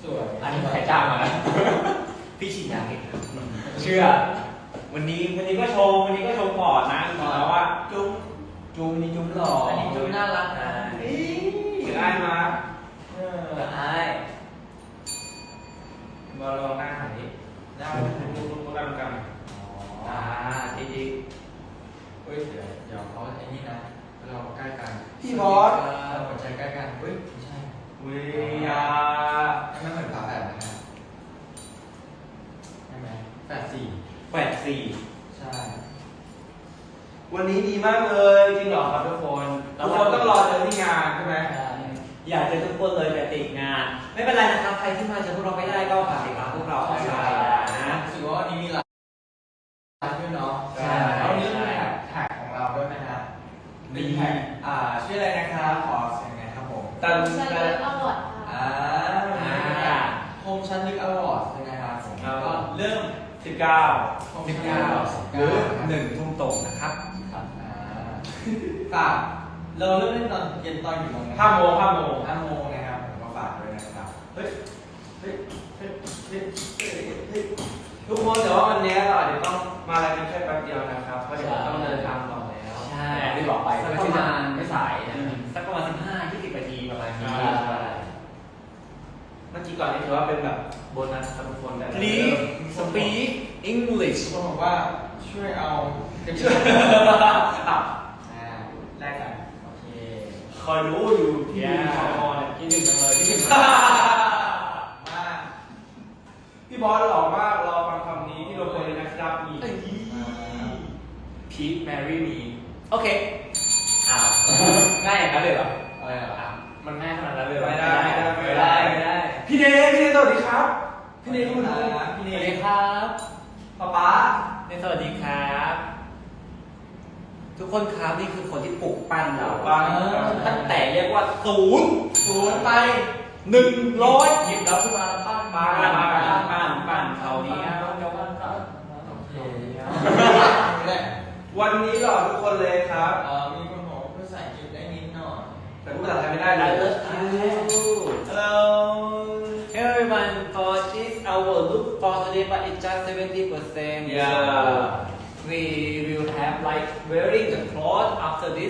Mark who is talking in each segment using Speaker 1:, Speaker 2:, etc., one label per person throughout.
Speaker 1: วย
Speaker 2: อันนี้ใครจ้างมาพี่ฉีดยาเก่งเชื่อวันนี้ก็ชมก่อนนะจริงๆแล้วว่าจุ๊มนี่จุ๊มหล่อ
Speaker 1: อันนี้จุ๊มน่ารักนะ
Speaker 2: ได้มา
Speaker 1: ได้
Speaker 2: มาลองหน้าหน่อยดิได้ดูกันดี
Speaker 1: เฮ้ยเดี๋ยวเขาไอ้นี่นะเราใกล้กัน
Speaker 2: พี่บอส
Speaker 1: เราหัวใจใกล้กันเฮ้ยไม่ใช่
Speaker 2: วิยา
Speaker 1: ไม่เหมือนฝาแฝดนะฮะใช่ไหมแฝดสี่
Speaker 2: 84
Speaker 1: ใช่
Speaker 2: วันนี้ดีมากเลยจริงเหรอครับทุกคนต้องรอเจอที่งานใช่ไหมอยากเจอทุกคนเลยแต่ติดงานไม่เป็นไรนะครับใครที่มาเจอพวกเราไม่ได้ก็ฝากติดตามพวกเราได้นะ
Speaker 1: รู้สึกว่าวันนี้มีหลายด้วยเนาะ
Speaker 2: ใช่
Speaker 1: แล้วนี่มีแท็กของเราด้วยนะฮะมีแท็กชื่ออะไรนะครับขอเสียงไงครับผม
Speaker 2: ตัน
Speaker 3: เลิฟอวอร์ดค่ะ
Speaker 1: โฮมชันลิกอวอร์ดใช่ไหมครับผมก็เริ่ม
Speaker 2: 19หรือ1 ทุ่มตรงนะครับ
Speaker 1: ครับฝากเราเริ่มเล่นตอนเย็นตอนกี่โมงนะ
Speaker 2: 5 โมง
Speaker 1: 5 โมงนะครับผมก็ฝากด้วยนะครับเฮ้ย
Speaker 2: ทุกคนแต่ว่าวันนี้เราอาจจะต้องมาอะไรกันแค่แป๊บเดียวนะครับเพราะเดี๋ยวต้องเดินทางต่อแล้ว
Speaker 1: ใช่
Speaker 2: ที่บอกไป
Speaker 1: สักประมาณ
Speaker 2: ไม่สายนะสักประมาณ15-20 นาทีประมาณนี้เมื่อกี้ก่อนนี่ถือว่าเป็นแบบโบนัสครับทุกคนแต่
Speaker 4: Please speak English
Speaker 1: ทุกคนบอกว่าช่วยเอากระ
Speaker 2: ช่
Speaker 1: เป๋
Speaker 2: วย
Speaker 1: า
Speaker 2: แลกกัน
Speaker 1: โอเค
Speaker 2: คอยรู้อยู่ที่ชมเนี่ยคิดถึงจังเลยคิดถึง
Speaker 1: มา
Speaker 2: พี่บอสหล่อมากรอฟังคำนี้ที่เราควรเลยนะครับอีก Please marry me โอเคอ้าวง่ายอย่างนั้นเลยเหรอ
Speaker 1: อะไรเหรอ
Speaker 4: มันง่ายขนาดนั้นเลย
Speaker 2: ไม่ได้ พี่เนสวัสดีครับ พี่เนสคุณ
Speaker 1: พี่
Speaker 4: ส
Speaker 1: เน
Speaker 4: วัสดี
Speaker 1: ย
Speaker 4: ครับ
Speaker 2: ป๊า
Speaker 4: สวัสดีครับ ทุกคนครับนี่คือคนที่ปลุกปั้นเรา
Speaker 2: ปัง
Speaker 4: ตั้งแต่เรียกว่า0
Speaker 1: 0ไป
Speaker 4: 100หยิบเราขึ้นมาปั้น
Speaker 2: ปั้นเขานี้
Speaker 1: โอเค
Speaker 2: วันนี้หล่อทุกคนเลยครับ
Speaker 1: มีคนบอกว่าภาษาอังกฤษได้นิดหน่อย
Speaker 2: แต่พูดภาษาไทยไม่ได้เลย Hello
Speaker 4: Hey everyone, for this our look for today, but it's just 70%.
Speaker 2: Yeah.
Speaker 4: So we will have like wearing the cloth after this.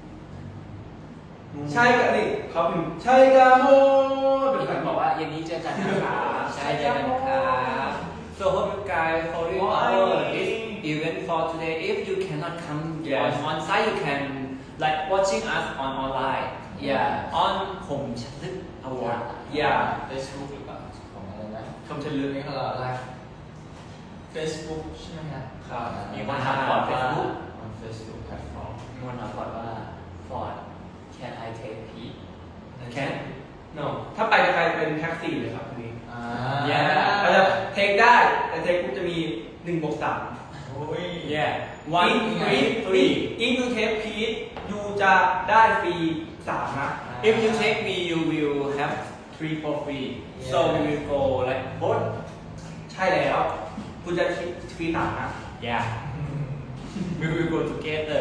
Speaker 2: ใช่กันดิเขาพิมพ์ใช่กาโม
Speaker 4: มีคนบอกว่าเย็นนี้เจอกันนะครับใช่เจอกันนะครับ So hope you guys following our this event for today. If you cannot come on site, you can like watching us on online. Yeah, on ผมชัดลึก award.
Speaker 2: อย่า
Speaker 1: Facebook หรือเปล่าของอะไรนะ
Speaker 2: คำเฉลย
Speaker 1: นี่คืออะไร Facebook ใช่ไหมครับ
Speaker 4: ครับมีคนถามก่อน Facebook
Speaker 1: on Facebook platform
Speaker 4: มีคนถามก่อนว่า Ford can I take Pete
Speaker 2: Can No ถ้าไปจะกลายเป็นแท็กซี่เลยครับทีนี้
Speaker 4: Yeah
Speaker 2: เราจะเทคได้แต่เทคปุ๊บจะมี1+3
Speaker 1: โอ้ย
Speaker 4: Yeah one three three
Speaker 2: if you take Pete you จะได้ฟรี3นะ
Speaker 4: If you take me you will have 3 for free so we will go like both
Speaker 2: ใช่แล้ว คุณจะฟรี3นะ
Speaker 4: Yeah we will go together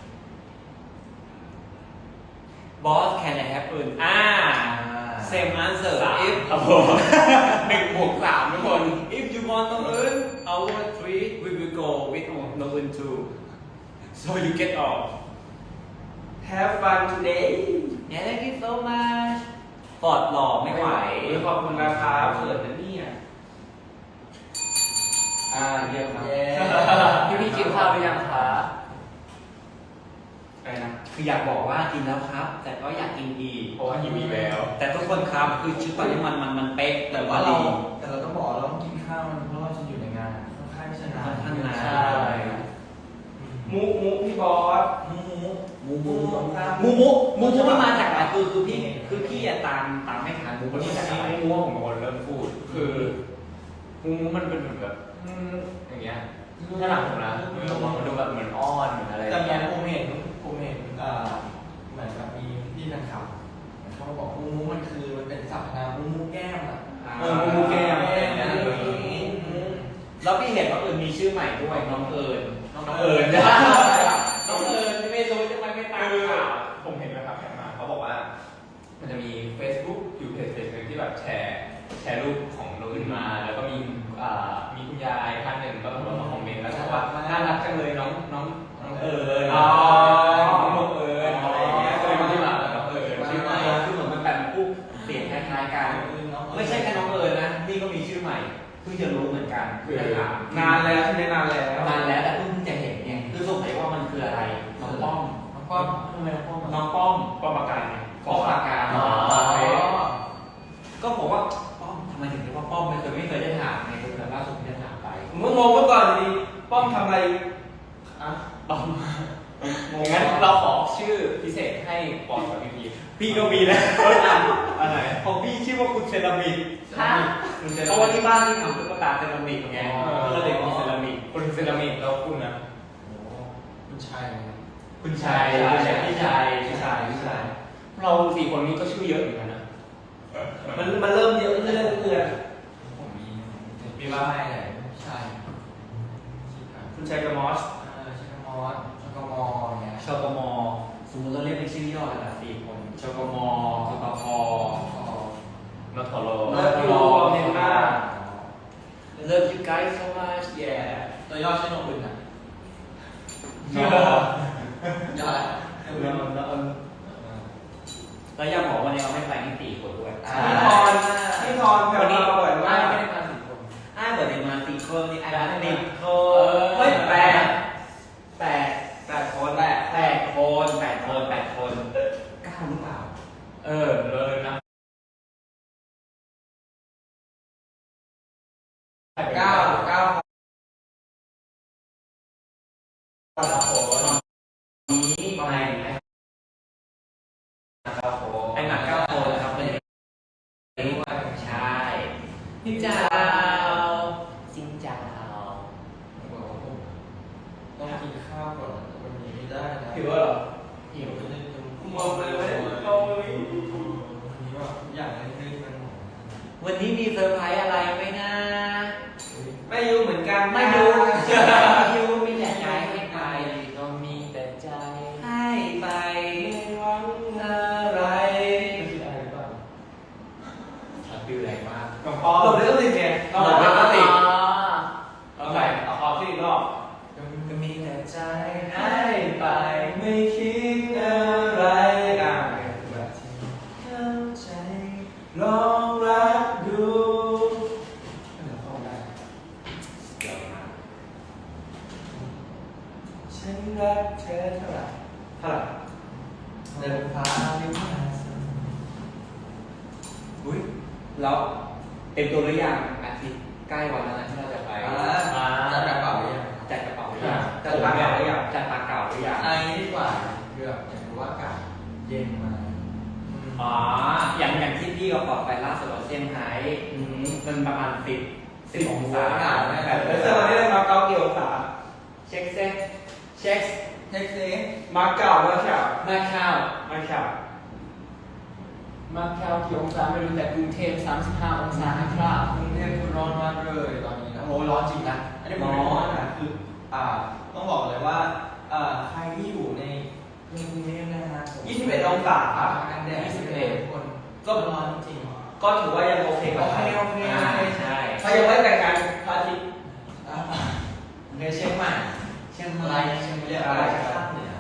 Speaker 4: Boss can I have อื่นsame answer if
Speaker 2: ครับผม
Speaker 4: 1+3ทุกคน if you want น้องอื่น our 3 we will go with น้องอื่น too so you get off
Speaker 2: Have fun today
Speaker 4: Yeah thank you so much ปอดหล่อไม่ไหว
Speaker 2: ขอบคุณนะครับเขินนะเนี่ยเยี่ยมครับ
Speaker 4: พี่กินข้าวหรือยังคะ
Speaker 2: ไปนะ
Speaker 4: คืออยากบอกว่ากินแล้วครับ แต่ก็อยากกินอีก
Speaker 2: เพราะว่าหิวอีกแล้ว
Speaker 4: แต่ทุกคนครับคือชุดตอนนี้มันเป๊ะแต่
Speaker 1: แต่
Speaker 4: ว่า
Speaker 1: ว่าเรา
Speaker 4: ดี
Speaker 1: แต่เราต้องบอกเราต้องกินข้าวมันเพราะเราจะอยู่ในงานค่อนข้างจะนาน
Speaker 4: ค่อนข้างนาน
Speaker 1: ใช่
Speaker 2: มุพี่บอส
Speaker 1: มูมู
Speaker 4: มูมันมาจากอะไรคือพี่อะตามไม่ทันมูมันมาจากอะไร
Speaker 2: มูผมเป็นคนเริ่มพูด
Speaker 4: คือมูมันเป็นเหมือนแบบอย่างเงี้ยถ้าหลังผมนะมันดูแบบเหมือนอ้อนเหมือนอะไร
Speaker 1: แต่เนี่ยผมเห็นเหมือนแบบมีพี่แฟนคลับเขาบอกมูมูมันคือมันเป็นสรรพนามมูมูแก้มอ่ะ
Speaker 2: มูแก้ม
Speaker 4: แล้วพี่เห็นว่ามีชื่อใหม่ด้วยน้องเอิญ
Speaker 2: น้อง
Speaker 4: น้อง
Speaker 2: เอิ
Speaker 4: เอิ
Speaker 2: ญ
Speaker 4: ญไม่รู้จะไปไม่ตามข่าว
Speaker 2: ผมเห็นนะครับแข่งมาเขาบอกว่า มันจะมี Facebook อยู่เพจหนึ่งที่แบบแชร์
Speaker 5: แชร์รูปของน้องอื่นมา แล้วก็มีมีคุณยายท่านหนึ่งก็มาคอมเมนต์แล้วบอกว่าน่ารักจังเลยน้องเอิญน้องเอิญอะไรอย่างเงี้ยก็เลยมาที่มาน้องเอิญชื่อใหม่
Speaker 2: คือเหมือนมันเป็นผู้เสียงคล้ายๆกันไม่ใช่แค่น้องเอิญนะนี่ก็มีชื่อใหม่เพิ่งจะรู้เหมือนกันจะถาม
Speaker 1: นานแล้วใช่ไหมนานแล้ว
Speaker 2: นานแล้วแต่เพิ่งจะเห็นไงคือสงสัยว่ามันคืออะไรน้องป้อม
Speaker 1: ก็ทำไมพ่อมา
Speaker 2: น้องป้อม
Speaker 5: ป้อมปราการไง
Speaker 2: ป้อมปราการ
Speaker 1: อ๋อ
Speaker 2: ก็บอกว่าป้อมทำไมถึงเรียกว่าป้อมไม่เคยได้ถามไงคือแบบล่าสุดที่ได้ถามไป
Speaker 1: ผมก็งงเมื่อก่อนดีป้อมทำอะไรอ่ะ
Speaker 5: ป้อมงั้นเราขอชื่อพิเศษให้ปอนกับพี่
Speaker 2: พี่ก็มีแล้ว
Speaker 5: อันไหน
Speaker 2: ของพี่ชื่อว่าคุณเซรามิก
Speaker 3: ฮะ
Speaker 5: คุณเซ
Speaker 2: เพ
Speaker 5: รา
Speaker 2: ราะว่า
Speaker 5: มิก
Speaker 2: ที่บ้านที่ทำตุ๊กตาเซรามิกไงก็เลยมีเซรามิก
Speaker 5: คุณเซรามิกแล้วคุณนะ
Speaker 1: คุณชาย
Speaker 2: คุณชัยพี่ชัย
Speaker 5: เราสี่คนนี้ก็ชื่อเยอะเหมือนกันนะ
Speaker 1: มันเริ่มเยอะเรื่อย
Speaker 5: ผมมี
Speaker 1: ๆ
Speaker 5: มีว่า
Speaker 1: ใช่เลยใช่
Speaker 5: คุณชัยกับมอส
Speaker 1: ชิคามอสชิคามอเนี่ย
Speaker 2: ชกมสมมติเราเรียกเป็นชื่อย่อกันละ4 คนชกมชกพ
Speaker 5: นอทโล
Speaker 1: เลิฟยูเมนมา
Speaker 2: Love you guys so much yeah
Speaker 1: ตัวย่อใช้นมอื่นอ่ะ
Speaker 5: ชื่อ
Speaker 1: ย่ออะไร
Speaker 2: แล้วยังบอกวันนี้เราไม่ไปนี่4 คนด้วย
Speaker 1: พี่ทอนแพร
Speaker 2: วันนี้
Speaker 1: วบ่อยมาก
Speaker 2: ไม่ได้มา4 คนเปิดมา4 คนนี่มา10 คนเฮ้ย8
Speaker 1: 8 คน
Speaker 2: 8 คน9หรือเปล่า
Speaker 5: เลยนะ
Speaker 1: 9
Speaker 2: นี้ประมาณไหนไอ้หนัก9 คนครับเป็นใช่ซินเจ้าซินเจ้า
Speaker 1: ต้องกินข้าวก่อนวันนี้ไม่ได้นะ
Speaker 5: ถือว่าเหรอ
Speaker 1: หิวจะได้มองเลยวันนี้ว่าทุกอย่างได้กันหมด
Speaker 2: วันนี้มีเซอร์ไพรส์อะไรไหมนะ
Speaker 1: ไม่รู้เหมือนกัน
Speaker 2: ไม่รู้ยูมีแต่ใจให้ไป
Speaker 4: ก็มีแต่ใจ
Speaker 2: ให้ไป
Speaker 1: ไม่หวัง
Speaker 2: อะไร
Speaker 1: ไม่คิดอะไรบ้าง
Speaker 2: ชัดฟิวแรงมาก
Speaker 5: น้องปอ
Speaker 1: หลบเรื่องติดไง
Speaker 2: หลบเรื่องติด
Speaker 5: เอาใหม่เอาขอที่อีกรอบ
Speaker 2: ก็มีแต่ใจ
Speaker 1: ให้ไปไม่คิดอะไรแบบที่เข้าใจลองรักดูเดี๋ยวเข้าได้ฉันรักเธอเท่าไหร่เดินฟ้าไม่มาสัก
Speaker 2: อุ้ยแล้วเป็นตัวหรือยังอาทิตย์ใกล้วันแล้วนะที่เราจะไป
Speaker 1: จัดกระเป๋าหรือยัง
Speaker 2: จัดกระเป๋าหรือยัง
Speaker 1: จัดปากเก่าหรือยัง
Speaker 2: จัดปากเก่าหรือยัง
Speaker 1: อันนี้ดีกว่าเลือกอย่างรู้ว่าอากาศเย็นมา
Speaker 2: อ๋ออย่างที่พี่ก็บอกไปล่าสุดเราเซี่ยงไฮ้มันประมาณ10 องศา
Speaker 1: แล้วตอนนี้เราเก้ากี่องศา
Speaker 2: เช็คเซ็เช็ค
Speaker 1: เท็กซี่มาเก่าแล้วใช่
Speaker 2: มาข้าว
Speaker 1: มาเก่า
Speaker 4: มาแค่กี่องศาไม่รู้แต่กรุงเทพ35 องศานะครับ
Speaker 1: กรุงเทพคุณร้อนมากเลยตอนนี้นะโอ้ร้อนจริงนะอันนี้ผมร้อนนะคือต้องบอกเลยว่าใครที่อยู่ในกรุงเทพนะฮะ21 องศากันแดด21คนก็ร้อนจริงก็ถือว่ายังโอเคโอเคใช่ถ้ายังไม่แต่งงานพระอาทิตย์ในเชียงใหม่เชียงรายเชียงรายภาคเหนือ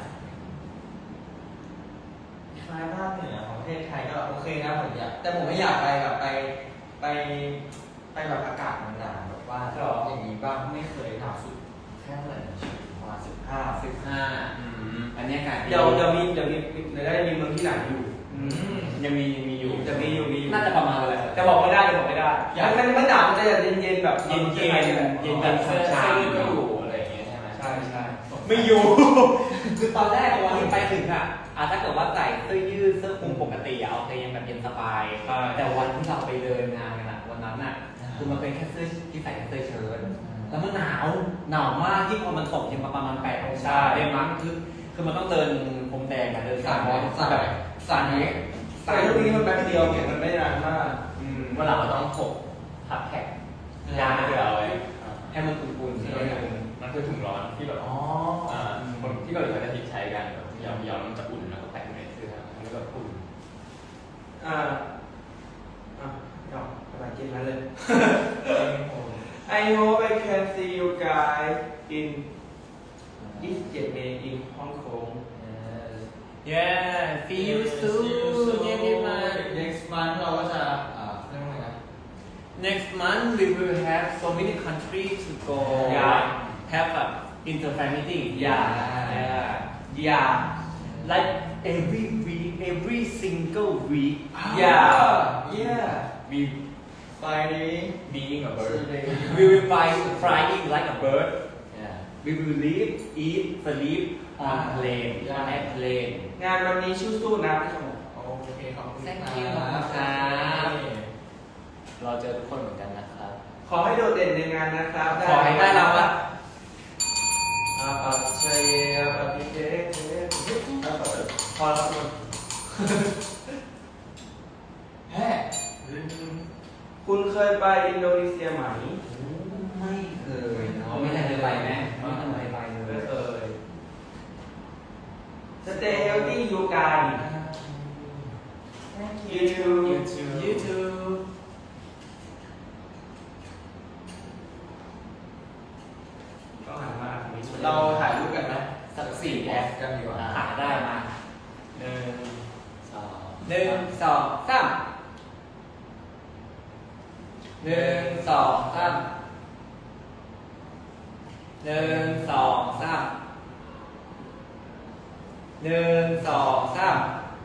Speaker 1: คล้ายภาคเหนือของประเทศไทยก็โอเคนะผมอยากแต่ผมไม่อยากไปแบบไปแบบอากาศหนาวๆแบบว่าอย่างนี้บ้างไม่เคยหนาวสุดแค่เท่าไหร่ประมาณ15
Speaker 2: อันนี้อากาศ
Speaker 1: เดี๋ยวได้มีเมืองที่ไหนอยู่
Speaker 2: ยังมีอยู่
Speaker 1: จะมีอยู่
Speaker 2: น่าจะประมาณอะไร
Speaker 1: จะบอกไม่ได้มันไม่หนาวมันจะเย็นๆแบบ
Speaker 2: เย็นแบบเสื้อ
Speaker 5: เสื้อ
Speaker 2: ชา
Speaker 5: ยืดก็อยู่อะไรอย่างเงี้ยใช่ไหม
Speaker 1: ใช่
Speaker 2: ไม่อยู่ คือตอนแรกวันที่ไปถึงถ้าเกิดว่าใส่เสื้อยืดเสื้อคลุมปกติโอเคยังแบบเย็นสบาย แต่วันที่เราไปเดินงานกันวันนั้นคือมันเป็นแค่เสื้อที่ใส่เสื้อเชิ้ตแล้วมันหนาวมากที่พอมันตกยังประมาณ8 องศาได้มั้งคือมันต้องเดินพรมแดงเดินแบบสั่นนี้
Speaker 1: ใส่ลูกนี้มันแป๊บเดียวเนี่ยมันไม่นานมาก
Speaker 5: เมื่อหลังเราต้องถกทับแท็กยางเผื่อเอาไว้
Speaker 2: ให้มันอุ่นๆ
Speaker 5: ที่เรามันคือถุงร้อนที่แบบคนที่เกาหลีเขาจะทิ้งใช้กันแบบยาวๆมันจะอุ่นแล้วก็แปะอยู่ในเสื้อแล้วก็อุ่น
Speaker 1: ก็กำลังกินอะไร
Speaker 2: I hope I can see you guys in 27 May in Hong Kong.
Speaker 4: Yeah, see you soon everyone.
Speaker 1: next month เราก็จะเรียกว่าไงนะ
Speaker 4: Next month we will have so many countries to go.
Speaker 2: Yeah.
Speaker 4: Have a inter-family.
Speaker 2: Yeah.
Speaker 4: Yeah. Like every week, every single week.
Speaker 2: Yeah.
Speaker 4: We
Speaker 1: Friday
Speaker 5: being a bird
Speaker 4: we will flying like a bird.
Speaker 5: yeah
Speaker 4: We will live, eat, sleep on plane.
Speaker 1: Yeah.
Speaker 4: On airplane.
Speaker 2: งานวันนี้สู้ๆนะพี่ชม
Speaker 1: โอเคขอบคุณ
Speaker 4: Thank
Speaker 1: ครับ
Speaker 4: you ครับ
Speaker 5: เราเจอทุกคนเหมือนกันนะครับ
Speaker 2: ขอให้โดดเด่นในงานนะครับ
Speaker 4: ขอให้ได้รางวัล
Speaker 2: อาปัจเชยปฏิเทพอแล้วครับ
Speaker 1: แฮ่
Speaker 2: คุณเคยไปอินโดนีเซียไหม
Speaker 1: ไม่เคยเนาะ
Speaker 4: ไม่ได้ไปไหมไม่ทำไมไปเล
Speaker 2: ไม่
Speaker 4: ย
Speaker 2: เคย Stay healthy you guys you too
Speaker 4: You too.
Speaker 2: ก็หันมาทางนี้
Speaker 1: เราถ่ายรูปกันไหม
Speaker 4: สัก4 แอป
Speaker 1: กันดีกว่า
Speaker 4: หาได้มา
Speaker 5: 2
Speaker 4: 1 2 3 1 2 3 1 2 3 1 2 3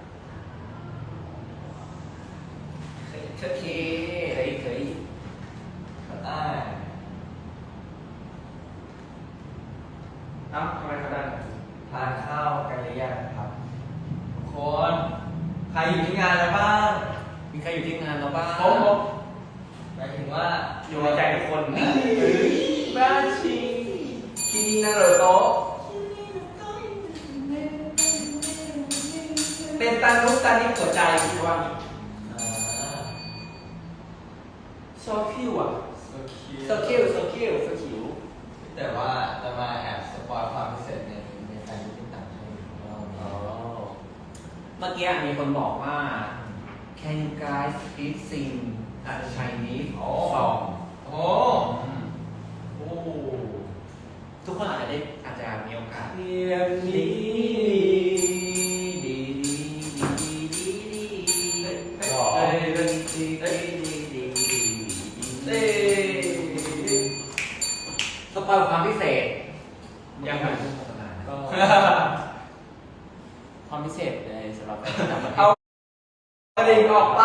Speaker 4: โอเคเคย
Speaker 1: ได้
Speaker 2: เอ้าทำไมเขาได้
Speaker 1: ทานข้าวกันหรือยังครับทุกคนใครอยู่ที่งานแล้วบ้าง
Speaker 4: มีใครอยู่ที่งานเราบ้าง
Speaker 2: ผม
Speaker 1: หมายถึงว่า
Speaker 2: อยู่ในใจทุกคนบ้าชิคิมินาโรโตะเป็นตันลุกตันนี้หัวใจคิดว่า
Speaker 1: อ่า
Speaker 2: โซคิวอ่ะ
Speaker 1: so cute
Speaker 4: โซคิว
Speaker 1: แต่ว่าจะมาแอบสปอยความพิเศษในแฟนที่ต่างให้ของเรา
Speaker 5: อ๋อ
Speaker 4: เมื่อกี้มีคนบอกว่า Can you guys speak sing a Chinese song
Speaker 1: โอ้โอ้
Speaker 4: ทุกคนอาจจะมีโอกาส
Speaker 2: เพียงนี้เต้
Speaker 4: สปอยความพิเศษ
Speaker 2: ยังไง
Speaker 5: ก็ความพิเศษในสำหรับการทำประเท
Speaker 2: เอา
Speaker 5: ศ
Speaker 2: กระดิ่งออกไป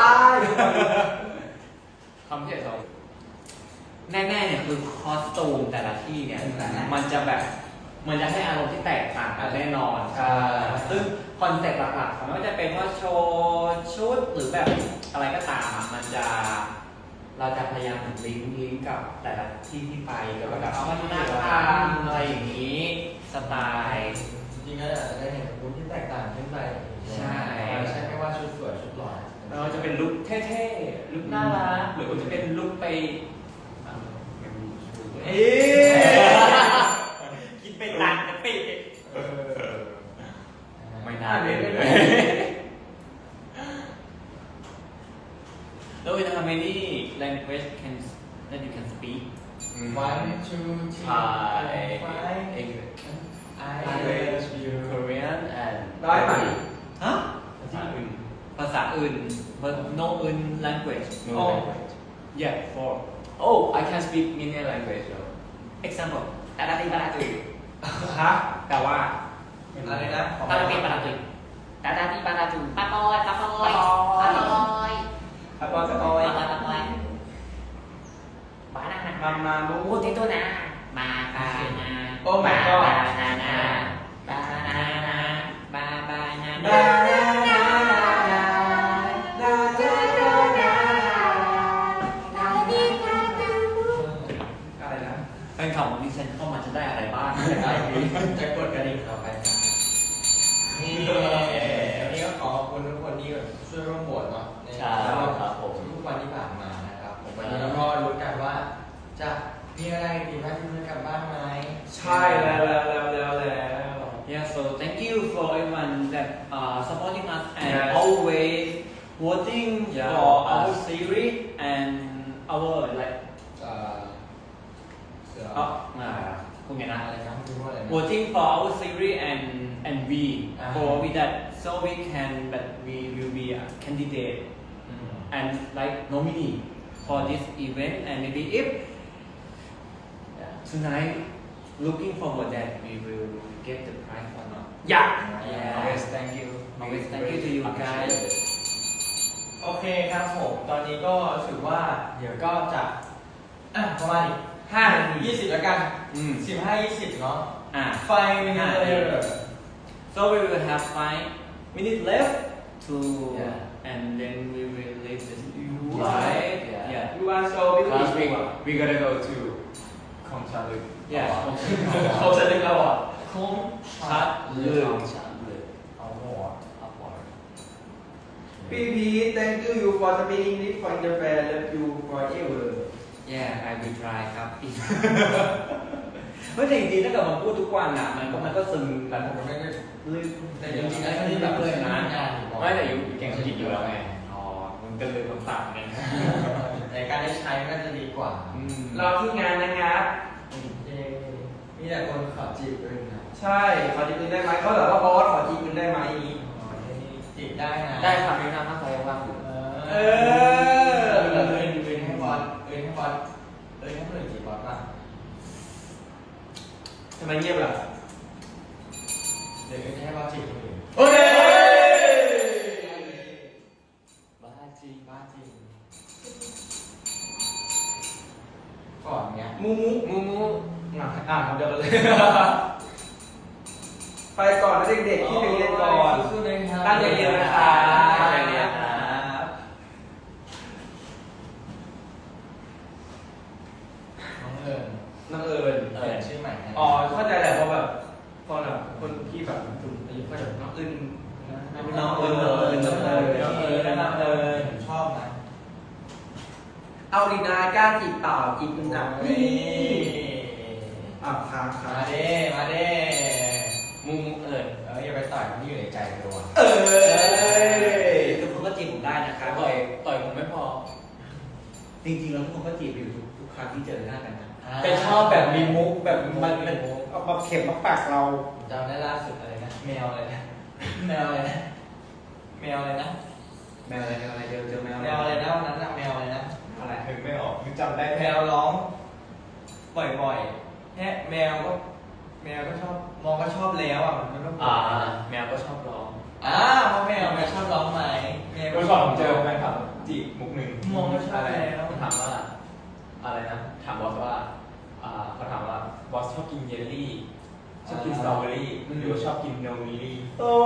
Speaker 5: ความพิเศษของ
Speaker 4: แน่ๆเนี่ยคือคอสตูมแต่ละที่เนี่ยมันจะแบบมันจะให้อารมณ์ที่แตกต่างกันแน่นอน
Speaker 2: ใช่
Speaker 4: ซึ่งคอนเซ็ปต์หลักๆของมันก็จะเป็นว่าโชว์ชุดหรือแบบอะไรก็ตามอะมันจะเราจะพยายามลิงก์กับแต่ละที่ที่ไปเกี่ยวกับแบบวัฒนธรรมอะไรอย่างนี้สไตล์
Speaker 1: จริงๆก็อาจจะได้เห็นคุณที่แตกต่างขึ้นไป
Speaker 4: ใช่
Speaker 1: ไม่ใช่แค่ว่าชุดสวยชุดหล่อ
Speaker 4: เราจะเป็นลุคเท่ๆลุคน่ารักหรือว่าจะเป็นลุคไปเอ๊คิดไปต่างกันไป
Speaker 5: ไม่น่าเล่นเลย
Speaker 4: แล้วin how many language can that you can speak
Speaker 1: 1 2 3 5
Speaker 5: English
Speaker 1: English
Speaker 5: Korean and
Speaker 2: ได้ไหม
Speaker 4: ฮะ
Speaker 5: ภาษาอื่น
Speaker 4: ภาษาอื่น but no in language
Speaker 5: no
Speaker 2: Oh.
Speaker 5: language
Speaker 4: yeah for
Speaker 5: oh I can speak many language though
Speaker 4: example ตาดาติปาราตุย
Speaker 2: ฮะ
Speaker 4: แต่ว่า
Speaker 1: อะไรนะ
Speaker 4: ตาดาติปาราตุยตาดาติปาราตุย
Speaker 3: ปาปอยปาปอยปาปอย
Speaker 2: ครับบอลสตอย
Speaker 3: ปาปอยปาปอยบานานา
Speaker 2: มาลู
Speaker 3: พูดที่ตัวนะมาบานา
Speaker 2: โอ้ my god
Speaker 3: บานานาบานานาบาบานา
Speaker 2: บา
Speaker 3: นา
Speaker 2: นานานาอะไรนะ
Speaker 4: แฟนคลับของดิฉันเข้ามาจะได้อะไรบ้าง
Speaker 1: จะกดกระดิ่งต่อไปนี่วันนี้ก็ขอขอบคุณทุกคนที่ช่วยร่วมโหวตเนาะใน
Speaker 5: ใช่ครับผม
Speaker 1: ทุกวันที่ผ่านมานะครับผมวันนี้เราก็รู้กันว่าจะมีอะไรผิดพลาดที่เพื่อนกันบ้างไหม
Speaker 2: ใช่แล้ว
Speaker 4: Yeah, so thank you for everyone that supporting us and
Speaker 2: Yes.
Speaker 4: always voting
Speaker 5: Yeah.
Speaker 4: for our series and our be for we that so we can but we will be a candidate and like nominee for this event and maybe if tonight looking forward that we will get the prize or not.
Speaker 2: Yeah.
Speaker 4: Yes, thank you. Always thank you to you guys.
Speaker 1: โอเคครับผม ตอนนี้ก็ถือว่าเดี๋ยวก็จะประมาณอีก5 นาที 20 แล้วกัน 15-20 เนาะ ไฟมีเลย
Speaker 4: So we will have 5 minutes left to and then we will leave the studio. Right? Yeah.
Speaker 2: You are so
Speaker 5: Last week
Speaker 2: beautiful.
Speaker 5: we gotta go to Kong Cha Lu.
Speaker 4: Yeah.
Speaker 1: เขาจะเรียกเราอ่ะคง
Speaker 4: Chat Lu.
Speaker 1: เอาหัว
Speaker 2: PP, thank you for speaking English for the fair. Love you forever.
Speaker 4: Yeah, I will try ครับ ไม่แต่จริงๆถ้าเกิดมันพูดทุกวันอ่ะมันก็ซึมแบบ
Speaker 1: ผมไม่ได้
Speaker 4: ลืม
Speaker 1: แต่จริงๆแล้วที่แบบเลยนะงานอยู่บ่อย
Speaker 5: ไม่แต่อยู่เก่งอังกฤษอยู่แล้วไงอ๋อมันก็เลยต้องตัดไง
Speaker 1: ในการได้ใช้มันก็จะดีกว่า
Speaker 2: รอที่งานนะครับ
Speaker 1: มีแต่คนขอจีบด้วยนะ
Speaker 2: ใช่ ขอจีบคุณได้ไหมเขาแบบว่าบอสขอจีบคุณได้ไหมอย่างนี้
Speaker 1: จีบได้นะ
Speaker 5: ได้ครับมีน้ำถ้าใครว่างอยู่
Speaker 1: เออให้บอสให้บอสให้คนอื่นจีบบอสป่ะ
Speaker 2: ทำไมเงียบล่ะ
Speaker 1: เดี๋ยวให้บอสจีบคนอื่น
Speaker 2: โอ้ย
Speaker 1: บ้าจริงบ้าจริงก่อนเนี้ย
Speaker 2: มูมู
Speaker 5: มูมู
Speaker 2: ทำเดียวกันเลย ไปก่อนนะเด็กๆที่ไปเรียนก่อน
Speaker 1: สู้ๆเลยครับ
Speaker 2: ตั้งใจเรียนนะครับ
Speaker 1: ตั้งใจเรียนครับน้องเอิญ
Speaker 2: น้องเอิญ
Speaker 1: เอิญชื่อใหม่นะ
Speaker 2: อ๋อเข้าใจแหละเพราะแบบพอแบบคนที่แบบถึงอายุก็จะน้องเอิญ
Speaker 1: น้องเอิญน้องเอิญน้องเอิญน้องเอิญน้องเอิญผมชอบนะ
Speaker 2: เอาดีนายกล้าจีบเปล่าจีบคุณหนัก
Speaker 1: นี่
Speaker 2: ค้างค้า
Speaker 1: มาเด้มาเด้
Speaker 5: มูมูเอิญ
Speaker 1: อย่าไปต่อยมันที่อยู่ในใจตัว
Speaker 2: เอ้ย
Speaker 4: ทุกคนก็จีบผมได้นะครับ
Speaker 5: ต่อยผมไม่พอ
Speaker 4: จริงๆแล้วทุกคนก็จีบอยู่ทุกครั้งที่เจอหน้ากันนะ
Speaker 2: แต่ชอบแบบมีมุกแบบมันเอามาเข็มมาปากเรา
Speaker 1: จำได้ล่าสุดอะไรนะแมวอะไรนะแมวอะไรนะแมวอะไรนะ
Speaker 4: แมวอะไรเจอแมว
Speaker 1: แมวอะไรนะวันนั้นอะแมวอะไรนะ
Speaker 4: อะไร
Speaker 5: นึกไม่ออกนึกจำได้
Speaker 1: แม
Speaker 5: แค่
Speaker 1: วร้องบ่อยๆแค่แมวก็ชอบมองก็ชอบแล้วอ่ะมันก็
Speaker 5: แมวก็ชอบร้อง
Speaker 1: เพราะแมวชอบร้องไหมแมว
Speaker 5: เมื่อก่อนผมเจอแฟนคลับจีบมุกหนึ่ง
Speaker 1: มองก็ชอบ
Speaker 5: อะไร
Speaker 1: แล้ว
Speaker 5: ผมถามว่าอะไรนะถามบอสว่าเขาถามว่าบอสชอบกินเยลลี่ชอบกินสตรอเบอรี่หรือว่าชอบกินโนมิลี่
Speaker 2: โอ้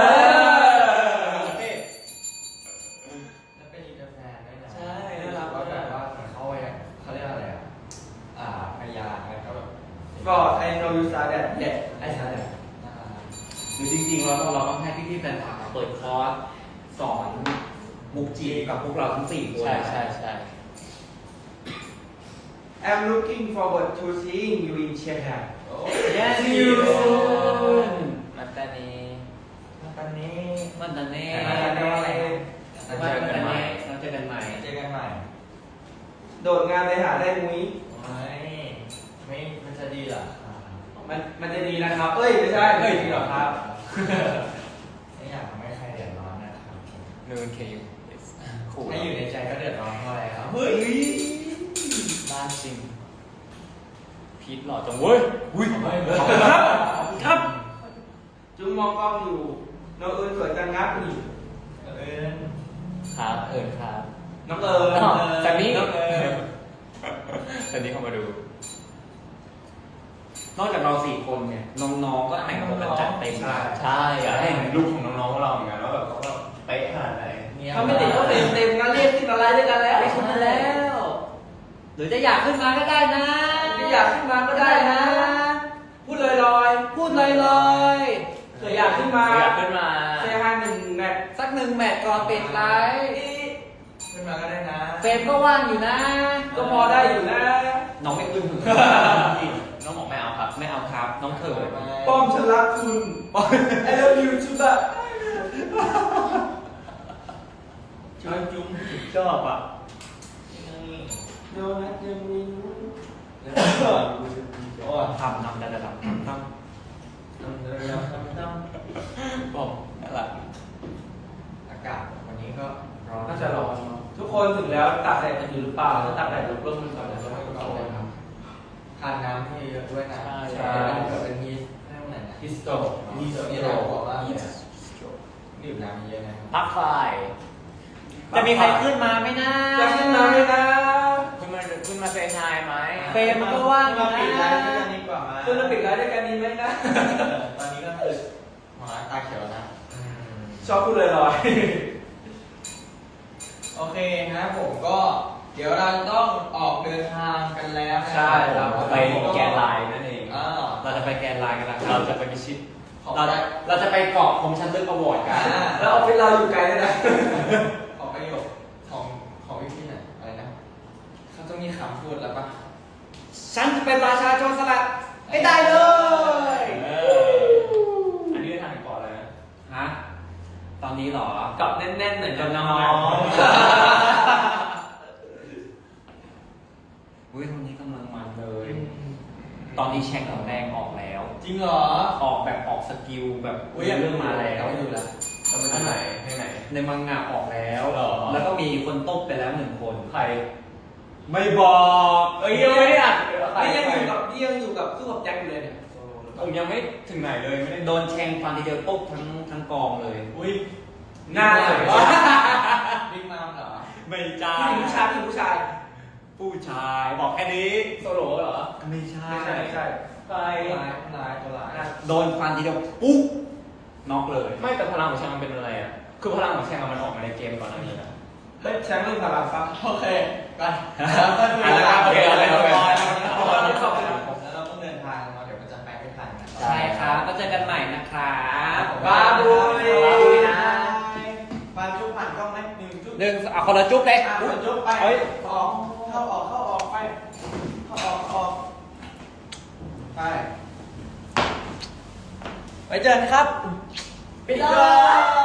Speaker 1: แล้วเป็นอินเตอร์แฟนด้วยนะ
Speaker 5: ใช่
Speaker 1: น่ารักว่าแบบว่าเหมือนเขาเรียกอะไรพยาอะไรก็แบบ
Speaker 2: ก็ I know you saw that yet I saw that
Speaker 1: น่ารัก
Speaker 4: หรือจริงๆเราต้องให้พี่ๆแฟนคลับมาเปิดคอร์สสอนมุกจีบกับพวกเราทั้ง4คน
Speaker 5: ใช่
Speaker 2: I'm looking forward to seeing you in Chiang
Speaker 1: โอ้
Speaker 4: Yes
Speaker 2: See you soon
Speaker 5: มาตานี
Speaker 1: ตอนนี้
Speaker 4: วันนั้นเน่
Speaker 1: วันนั้นว่าอะไรนะ
Speaker 4: วันนั้นเน่เราเจอกันใหม่
Speaker 1: เจอกันใหม่
Speaker 2: โดดงานไปหาได้มุ้ย
Speaker 1: ไม่มันจะดีเหรอ
Speaker 2: มันจะดีนะครับ เอ้ยไม่ใช่เอ้ยจริงเหรอครับ
Speaker 1: ไม่อยากทำให้ใครเดือดร้อนนะครับ
Speaker 5: นูนเคยูขู่
Speaker 1: ให้อยู่ในใจก็เดือดร้อนเพราะอะไรครับ
Speaker 2: เฮ้ย
Speaker 5: บ้านจริงพีทหล่อจังเว้ยอุ้ย
Speaker 2: ครับ จุงมองกล้องอยู่น้องเอิญสวยจังงับนี่
Speaker 5: ครับเอิญครับ
Speaker 2: น้องเอิญ
Speaker 5: จากนี้
Speaker 2: น้องเอิญ
Speaker 5: ตอนนี้เข้ามาดู
Speaker 4: นอกจากเรา4คนเนี่ยน้องๆก็แต่งตัวกันจัดเต็ม
Speaker 5: ใช่อยากให้เห็นรูปของน้องๆเราเหมือนกันว่าแบบเขาแบบเป๊ะขนาดไหน
Speaker 2: เขาไม่ติดก็เต็มนะเรียกขึ้นอะไรด้วยกันแล้ว
Speaker 4: ได้ขึ้นมาแล้ว หรือจะอยากขึ้นมาก็ได้นะ
Speaker 2: ที่อยากขึ้นมาก็ได้นะ พูดลอย
Speaker 4: พูดลอย
Speaker 2: ๆเผื่ออยากขึ้นมา
Speaker 5: อยากขึ้นมา
Speaker 2: เซฮันหนึ่งแมท
Speaker 4: ๆสัก1 แมตช์ก่อนปิดไลฟ์
Speaker 1: ขึ้นมาก็ได้นะ
Speaker 4: เฟรมก็ว่างอยู่นะ
Speaker 2: ก็พอได้อยู่นะ
Speaker 4: น้องไม่ขึ้น
Speaker 5: น้องบอกไม่เอาครับ
Speaker 4: ไม่เอาครับ น้องเถิด
Speaker 2: ป้อมฉันรักคุณ I love you ชุบะ
Speaker 1: จุ้ม
Speaker 4: ชอบอ่ะ
Speaker 2: โดนัทยังมี
Speaker 1: โอ้
Speaker 4: ทำดัดบอกอะไร
Speaker 1: อากาศวันนี้ก็ร้อน
Speaker 2: น่าจะร้อนเนอะทุกคนถึงแล้วตากแดดกันอยู่หรือเปล่าถ้าตากแดดร่มๆก่อนแล้วก็ไม่ต้องเลยครับ
Speaker 1: ทานน้ำให้เยอะด้วยนะ
Speaker 2: ใช่
Speaker 1: เกิดเป็นฮีสเรื่องไหนนะ
Speaker 2: ฮิสโตร
Speaker 1: ฮีสนี่เราบอกว่าดื่มน้ำเยอะนะ
Speaker 4: พักไฟ
Speaker 3: จะมีใครขึ้นมาไหมนะ
Speaker 2: จะขึ้นมาไหมนะ
Speaker 4: คุณมาเซฮายไหม
Speaker 3: เฟรมมันก็ว่างอยู่
Speaker 1: มา
Speaker 3: นะ
Speaker 1: ปิดไลฟ์ด้วยกันดีกว่ามา
Speaker 2: คุณจะปิดไลฟ์ด้วยกันดีไหมนะ
Speaker 1: ตอนนี้ก็คือหมอตาเขียวนะ
Speaker 2: ชอบพูดลอย
Speaker 1: โอเคนะผมก็เดี๋ยวเราต้องออกเดินทางกันแล้วนะ
Speaker 2: ใช่ครับ
Speaker 4: ไปแกนไลน์นั่นเอง
Speaker 1: อ่า
Speaker 4: เราจะไปแกนไลน์กันนะครับเราจะไปพิชิต
Speaker 1: ขอ
Speaker 4: เราจะไปเกาะคมชันลึกอวอร์ดกัน
Speaker 2: ๆแล้วออฟฟิศเราอยู่ไกลด้วยนะ
Speaker 1: ขอประโยคของพี่หน่อยอะไรนะเขาต้องมีคำพูดแล้วปะ
Speaker 3: ฉันจะเป็นราชาโจรสลัดให้ได้เลย
Speaker 5: อันนี้ได้ทางเกาะอะไรนะ
Speaker 4: ฮะตอนนี้เหรอ
Speaker 2: กับแน่นๆเหมือนกับน้อง
Speaker 4: อุ้ยตอนนี้กำลังมันเลย ตอนนี้แช็คของแดงออกแล้ว
Speaker 1: จริงเหรอ
Speaker 4: ออกแบบออกสกิลแบบ
Speaker 1: อุ้ย
Speaker 4: เรื่องมาแล้ว
Speaker 1: ไม่ดูละ
Speaker 5: เราไปที่ไหนที่ไหน
Speaker 4: ในมังงะออกแล้ว
Speaker 5: หรอ
Speaker 4: แล้วก็มีคนต้มไปแล้ว1 คน
Speaker 5: ใคร
Speaker 4: ไม่บอก
Speaker 5: เอ้ยยังไม่ได้อ่าน
Speaker 2: ๆนี่ยังอยู่กับสู้กับแจ็คอยู่เลยเนี่ย
Speaker 5: ผมยังไม่ถึงไหนเลยไม่ได้
Speaker 4: โดนแทงฟันทีเดียวปุ๊บทั้งกองเลย
Speaker 1: อุ้ย
Speaker 2: หน้าเลย
Speaker 1: บิ๊กมามเหรอ
Speaker 4: ไม่ใช่
Speaker 2: ผู้ชายผู้ชาย
Speaker 4: ผู้ชายบอกแค่นี้
Speaker 5: โซโล่เหรอ
Speaker 4: ไม่ใช่
Speaker 2: ไม่ใช่
Speaker 5: ใคร
Speaker 1: ลายตัวลาย
Speaker 4: โดนฟันทีเดียวปุ๊บน็อกเลย
Speaker 5: ไม่แต่พลังของแชงมันเป็นอะไรอ่ะคือพลังของแชงมันออกมาในเกมก่อนหน้านี้นะ
Speaker 2: เฮ้ยแชมป์เรื่องพลังฟัง
Speaker 1: โอเคไป
Speaker 4: อ่ะแล้วครับโอเคโอเคโอเค
Speaker 1: ขอบคุณแล้วเราต้องเดินทางมาเดี๋ยวมันจะไปไม่ทันนะ
Speaker 3: ใช่ครับก็เจอกันใหม่นะครับ
Speaker 2: บาบู
Speaker 3: บาบูนะ
Speaker 1: บาจุ๊บผ่านกล้องไหมหนึ่งจุ๊บ
Speaker 3: หนึ่งเอาคนละจุ๊บเลย
Speaker 1: อ่ะจุ๊บไปออกเข้าออกไปเข้าออกไปไว้เจอกันครับ
Speaker 3: ปิดเลย